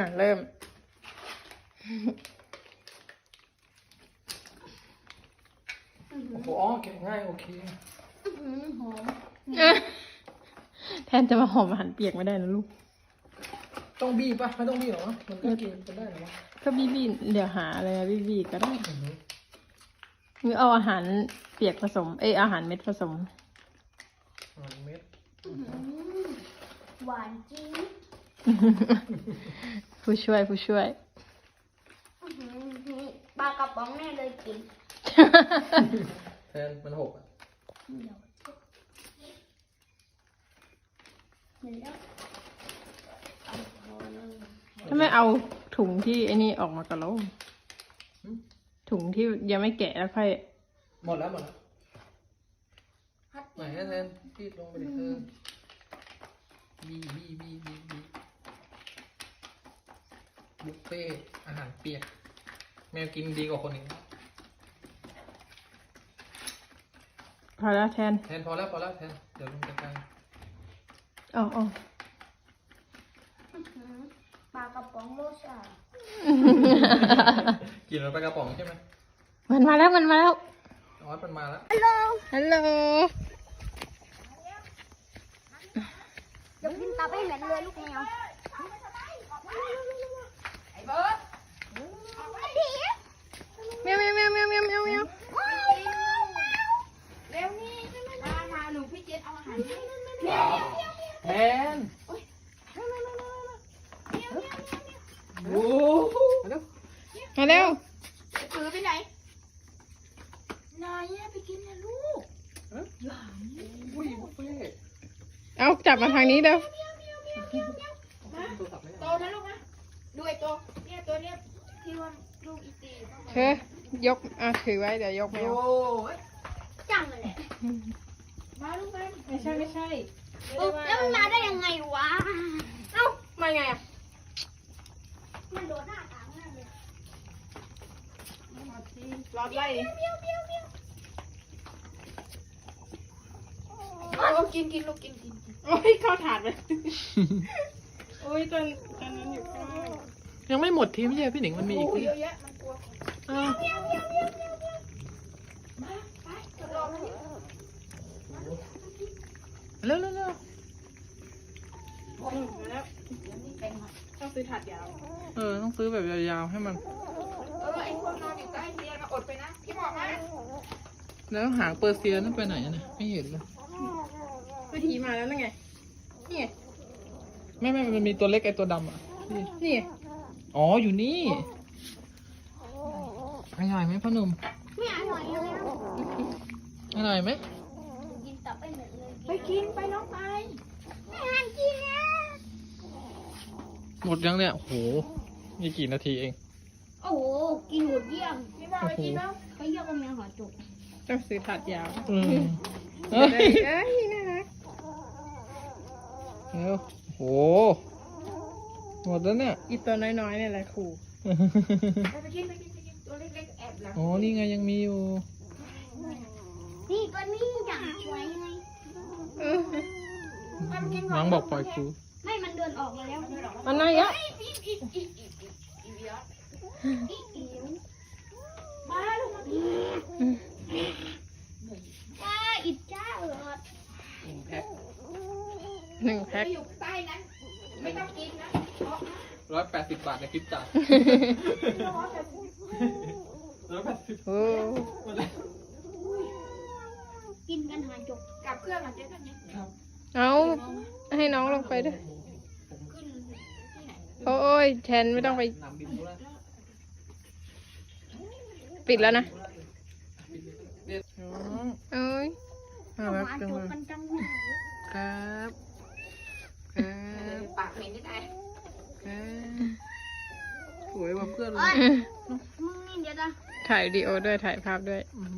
เริ่มโอ้โหอ๋อแกะง่ายโอเคหอมแทนจะมาหอมอาหารเปียกไม่ได้นะลูกต้องบี้ปะไม่ต้องบี้หรอมันก็กินกันได้หรอก็บี้เดี๋ยวหาอะไรบี้ก็ได้หรือเอาอาหารเปียกผสมอาหารเม็ดผสมเม็ดหวานจี๊ดผู้ช่วยปลากระป๋องแน่เลยกินแทนมันหกอ่ะถ้าไม่เอาถุงที่ไอ้นี่ออกมากระโลมถุงที่ยังไม่แกะแล้วค่อยหมดแล้วไหนแทนพี่ลงไปดิบี้บุฟเฟ่อาหารเปียกแมวกินดีกว่าคนอื่นพอแล้วแทนแทนพอแล้วแทนเดี๋ยวลงจัดการอ๋อปลากระป๋องโรสากินแล้วไปกระป๋องใช่ไหมมันมาแล้วอ๋อมันมาแล้วฮัลโหลเดี๋ยวกินตาไปเหม็นเลยลูกแมวไอ้เบิร์ดเมียวเร็วนี่มาหนูพี่เจนเอาอาหารให้แทนโอ้โหมาเร็วถือไปไหนนายไปกินนะลูกอุ้ยบุฟเฟ่เอาจับมาทางนี้เร็วตัวสับไม่โตได้นะลูกนะดูไอ้ตัวเนี่ยตัวเนี้ยที่ว่าลูกอีตีเธอยกถือไว้เดี๋ยวยกไม่โอ้เอายจังเลยแหละมาลูกไปไม่ใช่แล้วมันมาได้ยังไงวะเอ้ามาไงอ่ะมันโดนหน้าต่างหน้าเลยรอดไล่กินลูกกินโอ้ยเข้าถาดไปโอ้ยตอนนั้นอยู่ข้างยังไม่หมดทีมใช่พี่หนิงมันมีอีกเยอะแยะมันกลัวอ้าวมาไปจะรอมันเร็วมาแล้วต้องซื้อถาดยาวต้องซื้อแบบยาวๆให้มันไอ้พวกนอนอยู่ใต้เตียงอดไปนะพี่บอกนะแล้วหางเปอร์เซียนั่นไปไหนนะไม่เห็นเลยวิธีมาแล้วนั่นไงนี่ไงไม่มันมีตัวเล็กไอตัวดำอ่ะนี่ไงอ๋ออยู่นี่อร่อยไหมพ่อหนุ่มไม่อร่อยเลยอร่อยไหมกินตับไปหมดเลยไปกินไปน้องไปไม่หันกินนะหมดยังเนี่ยโอ้โหมีกี่นาทีเองโอ้โหกินหมดเยี่ยมพี่บอกไปกินแล้วไปเยี่ยมกับแมวหอจุกต้องซื้อถาดยาวเฮ้ยเอ้ยน่ารักเร็วโอ้โหหมดแล้วเนี่ยอีตัวน้อยๆเนี่ยแหละครูไปกินตัวเล็กๆแอบหลังอ๋อนี่ไงยังมีอยู่นี่ตัวนี้อย่างสวยไงน้องบอกปล่อยครูไม่มันเดินออกมาแล้วมันน่าเยอะมาลูกมาว้าอิดจ้าเออแพ็ค 1 แพ็คอยู่ใต้นั้นไม่ต้องกินนะ 180 บาทในคลิปจ่าย180 โอ้กินกันหาจกกลับเครื่องอ่ะเจ๊กันเนี่ยเอาให้น้องลงไปด้วยขึ้นที่ไหนโอ้ยแทนไม่ต้องไปปิดแล้วนะเอ้ยน่ารักจังเลยกันจังครับครับปากเหม็นได้ไงครับสวยกว่าเพื่อนเลยมึงนี่เดี๋ยวนะถ่ายวิดีโอด้วยถ่ายภาพด้วยอื้อหื